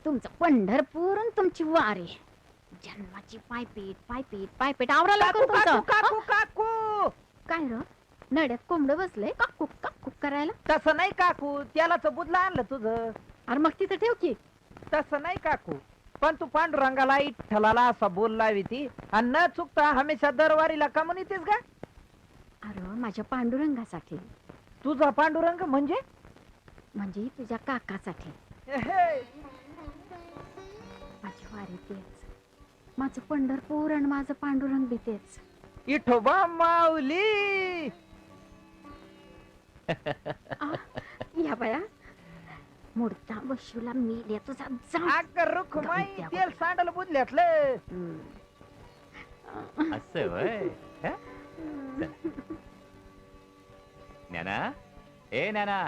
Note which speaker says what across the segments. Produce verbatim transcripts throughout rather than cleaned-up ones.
Speaker 1: तुमचं पंढरपूर आणि तुमची वारी, जन्माची पायपीट पायपीट पायपीट आवरा
Speaker 2: काकू
Speaker 1: लवकर
Speaker 2: काकू
Speaker 1: तुमचं.
Speaker 2: काकू काकू
Speaker 1: काय र नड्यात कोंबड बसलंय काकू काकू करायला?
Speaker 2: तसं नाही काकू, त्यालाच बुदला आणलं तुझं.
Speaker 1: अरे मग तिथं ठेव की.
Speaker 2: तसं नाही काकू, पण तू पांडुरंगाला इठ्ठलाला असा बोल लावी ती आणि न चुकता हमेशा दरवारीला का म्हणून येतेस का?
Speaker 1: अरे माझ्या पांडुरंगासाठी,
Speaker 2: तुझा पांडुरंग म्हणजे?
Speaker 1: म्हणजे तुझ्या काकासाठी.
Speaker 2: एहे,
Speaker 1: माझी वारी तेच, माझं पंढरपूर आणि माझं पांडुरंग बी तेच.
Speaker 2: इठोबा माऊली.
Speaker 1: आ, या बाया मुडता बशूला मी तुझा जा.
Speaker 2: अग रुखमाई
Speaker 1: गमत्या
Speaker 2: तेल सांडल बुदल्यातलं.
Speaker 3: असं वय ज्ञाना, ए ज्ञाना.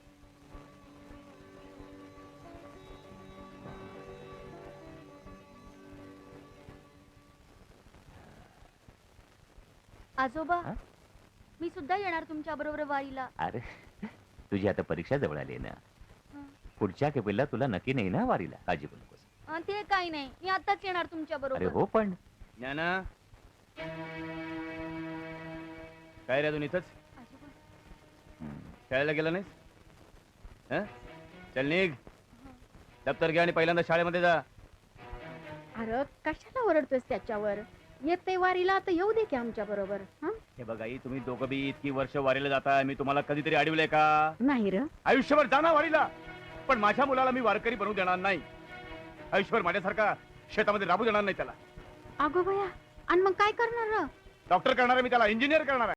Speaker 4: आजोबा,
Speaker 3: हा?
Speaker 4: मी सुद्धा येणार तुमच्या बरोबर वारीला.
Speaker 3: अरे तुझी आता परीक्षा जवळ आली ना,
Speaker 4: हं.
Speaker 3: पुढच्या केपीला तुला नक्की नाही ना वारीला, काळजी करू नकोस.
Speaker 4: अं, ते काही नाही, मी आताच येणार तुमच्या
Speaker 3: अरे
Speaker 4: बरोबर.
Speaker 3: हो पण
Speaker 5: ज्ञाना, काय रे अजून इथंच
Speaker 4: आजोबा,
Speaker 3: हम्म,
Speaker 5: शाळेला गेला नाहीस? हं? चल निघ, दप्तर घ्या आणि पहिल्यांदा शाळेमध्ये जा.
Speaker 1: अरे कशाला ओरडतोस त्याच्यावर? येते वारीला आता येऊ दे की आमच्या बरोबर.
Speaker 5: हे बघा आई, तुम्ही दोघं बी इतकी वर्ष वारीला जाताय, मी तुम्हाला कधीतरी अडवलंय का?
Speaker 1: नाही र,
Speaker 5: आयुष्यभर जाणार वारीला, पण माझ्या मुलाला मी वारकरी बनवू देणार नाही. आयुष्यभर माझ्यासारखा शेतामध्ये राबू देणार नाही त्याला.
Speaker 1: अगो बया, आणि मग काय करणार र?
Speaker 5: डॉक्टर करणार आहे मी त्याला, इंजिनियर करणार आहे.